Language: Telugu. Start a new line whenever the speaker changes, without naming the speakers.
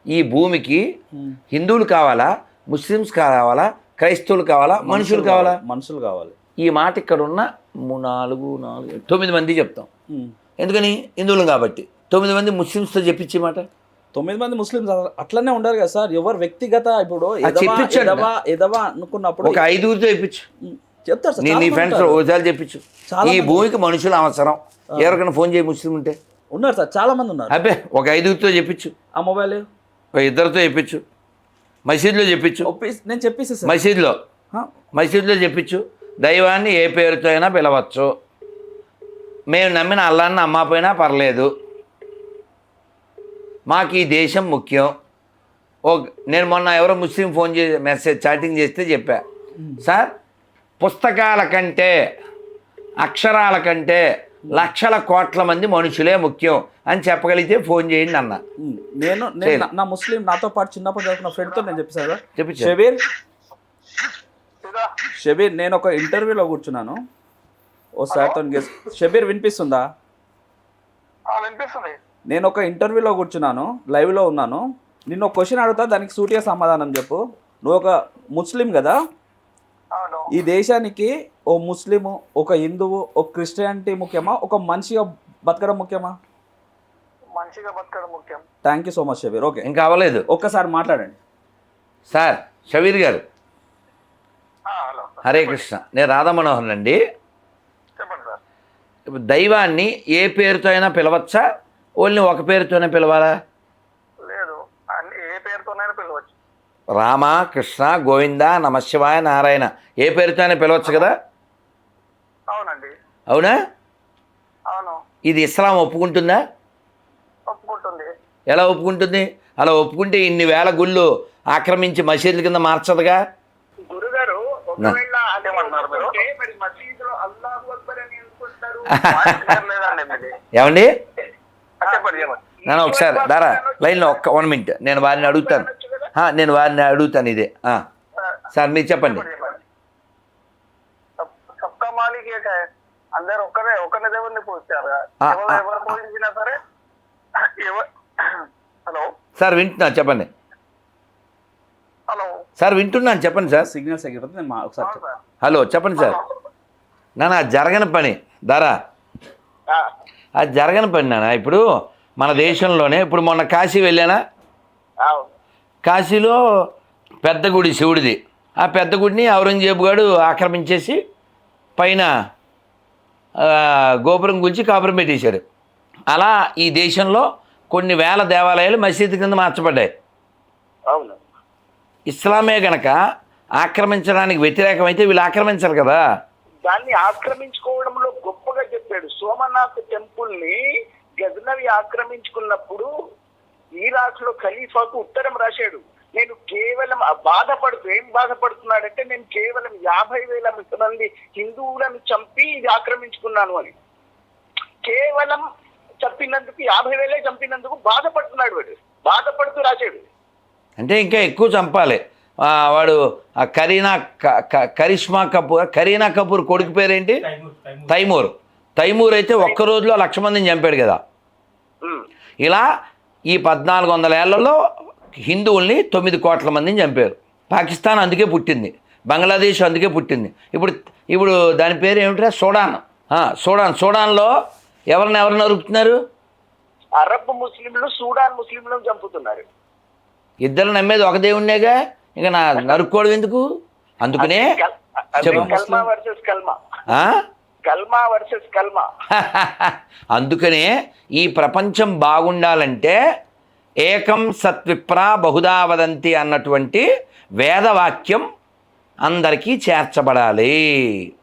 ఈ భూమికి హిందువులు కావాలా, ముస్లిమ్స్ కావాలా, క్రైస్తవులు కావాలా, మనుషులు కావాలా?
మనుషులు కావాలి.
ఈ మాట ఇక్కడ ఉన్న 9 మంది చెప్తాం. ఎందుకని? హిందువులు కాబట్టి. 9 మంది ముస్లిమ్స్తో చెప్పించే మాట.
9 మంది ముస్లిమ్స్ అట్లనే ఉండరు కదా సార్. ఎవరు వ్యక్తిగత ఇప్పుడు ఎదవా అనుకున్నప్పుడు
ఒక 5గురితో చెప్పించు,
చెప్తారు సార్.
నీ ఫ్రెండ్స్ ఒకసారి చెప్పించు. ఈ భూమికి మనుషులు అవసరం. ఎవరికైనా ఫోన్ చేయి, ముస్లిం ఉంటే
ఉన్నారు సార్, చాలా మంది ఉన్నారు.
అబ్బే ఒక 5గురితో చెప్పించు.
ఆ మొబైల్
ఒక 2తో చెప్పించు. మసీదులో చెప్పించు.
నేను చెప్పేసి సార్,
మసీదులో చెప్పించు. దైవాన్ని ఏ పేరుతో అయినా పిలవచ్చు. మేము నమ్మిన అల్లాన్ని నమ్మకపోయినా పర్లేదు. మాకు ఈ దేశం ముఖ్యం. నేను మొన్న ఎవరో ముస్లిం ఫోన్ చేసి చాటింగ్ చేస్తే చెప్పా, సార్ పుస్తకాల కంటే అక్షరాల కంటే లక్షల కోట్ల మంది మనుషులే ముఖ్యం అని చెప్పగలిగితే ఫోన్ చేయండి అన్న.
నేను నా ముస్లిం నాతో పాటు చిన్నప్పుడు చదువుకున్న ఫ్రెండ్తో నేను చెప్పాను. షబీర్ నేను ఒక ఇంటర్వ్యూలో కూర్చున్నాను. ఓ సార్తో షబీర్ వినిపిస్తుందా? నేను ఒక ఇంటర్వ్యూలో కూర్చున్నాను, లైవ్లో ఉన్నాను. నిన్ను ఒక క్వశ్చన్ అడుగుతా, దానికి సూటిగా సమాధానం చెప్పు. నువ్వు ఒక ముస్లిం కదా, ఈ దేశానికి ఓ ముస్లిము, ఒక హిందువు, ఒక క్రిస్టియానిటీ ముఖ్యమా, ఒక మనిషిగా బతకడం ముఖ్యమా?
మంచిగా బతకడం ముఖ్యం.
Thank you so much Shabbir. Okay,
ఇంకా అవ్వలేదు,
ఒక్కసారి మాట్లాడండి
సార్. షబీర్ గారు, హరే కృష్ణ. నేను రాధా మనోహర్ అండి.
చెప్పండి సార్.
ఇప్పుడు దైవాన్ని ఏ పేరుతో అయినా పిలవచ్చా, ఓన్లీ ఒక పేరుతోనే పిలవాలా?
లేదు, అన్ని ఏ పేరుతోనైనా పిలవచ్చు.
రామ, కృష్ణ, గోవింద, నమశివాయ, నారాయణ ఏ పేరుతో అయినా పిలవచ్చు కదా?
అవునండి.
అవునా?
అవును.
ఇది ఇస్లాం ఒప్పుకుంటుందా?
ఒప్పుకుంటుంది.
ఎలా ఒప్పుకుంటుంది? అలా ఒప్పుకుంటే ఇన్ని వేల గుళ్ళు ఆక్రమించి మసీదుల కింద మార్చదుగా?
గురుగారు ఒకవేళ అదేమన్నారు మీరు, మరి మసీదులో అల్లాహు అక్బర్ అని అనుకుంటారు.
ఏమండి?
చెప్పండి.
నేను ఒకసారి దారా లైన్లో 1 మినిట్ నేను వారిని అడుగుతాను. ఇదే సార్ మీరు చెప్పండి.
సబ్కా మాలిక్ ఏక హై, అందరూ ఒకరిని దేవుడిని పూజిస్తారు. ఎవరు పూజించినా సరే. హలో
సార్, వింటున్నా, చెప్పండి.
హలో
సార్, వింటున్నాను, చెప్పండి సార్.
సిగ్నల్స్ ఎగిరిపోతే నేను ఒకసారి
హలో చెప్పండి సార్. నాన్న జరగని పని దారా, అది జరగని పని నాన్న. ఇప్పుడు మన దేశంలోనే ఇప్పుడు మొన్న కాశీ వెళ్ళానా? కాశీలో పెద్ద గుడి శివుడిది. ఆ పెద్ద గుడిని ఔరంగజేబు గారు ఆక్రమించేసి పైన గోపురం గురించి కాపురం పెట్టేశాడు. అలా ఈ దేశంలో కొన్ని వేల దేవాలయాలు మసీదు కింద మార్చబడ్డాయి.
అవును.
ఇస్లామే గనక ఆక్రమించడానికి వ్యతిరేకమైతే వీళ్ళు ఆక్రమించరు కదా.
దాన్ని ఆక్రమించుకోవడంలో గొప్పగా చెప్పాడు. సోమనాథ్ టెంపుల్ ని గజనవి ఆక్రమించుకున్నప్పుడు ఇరాక్ లో ఖలీఫాకు ఉత్తరం రాశాడు. నేను కేవలం ఏం బాధపడుతున్నాడంటే నేను కేవలం 50,000 మంది హిందువులను చంపి ఇది ఆక్రమించుకున్నాను అని. కేవలం చంపినందుకు 50,000 చంపినందుకు బాధపడుతున్నాడు. వాడు బాధపడుతూ రాశాడు.
అంటే ఇంకా ఎక్కువ చంపాలి. వాడు కరీనా కపూర్ కొడుకు పేరేంటి? తైమూర్ అయితే ఒక్క రోజులో 1,00,000 మందిని చంపాడు కదా. ఇలా ఈ 1400 ఏళ్లలో హిందువుల్ని 9 కోట్ల మందిని చంపారు. పాకిస్తాన్ అందుకే పుట్టింది, బంగ్లాదేశ్ అందుకే పుట్టింది. ఇప్పుడు దాని పేరు ఏమిటా? సూడాన్లో ఎవరిని నరుకుతున్నారు?
అరబ్ ముస్లింలు సూడాన్ ముస్లింలను చంపుతున్నారు.
ఇద్దరు నమ్మేది ఒక దేవుణ్ణేగా, ఇంకా నరుక్కోవడం ఎందుకు? అందుకనే అందుకనే ఈ ప్రపంచం బాగుండాలంటే ఏకం సత్విప్రా బహుదా వదంతి అన్నటువంటి వేదవాక్యం అందరికీ చేర్చబడాలి.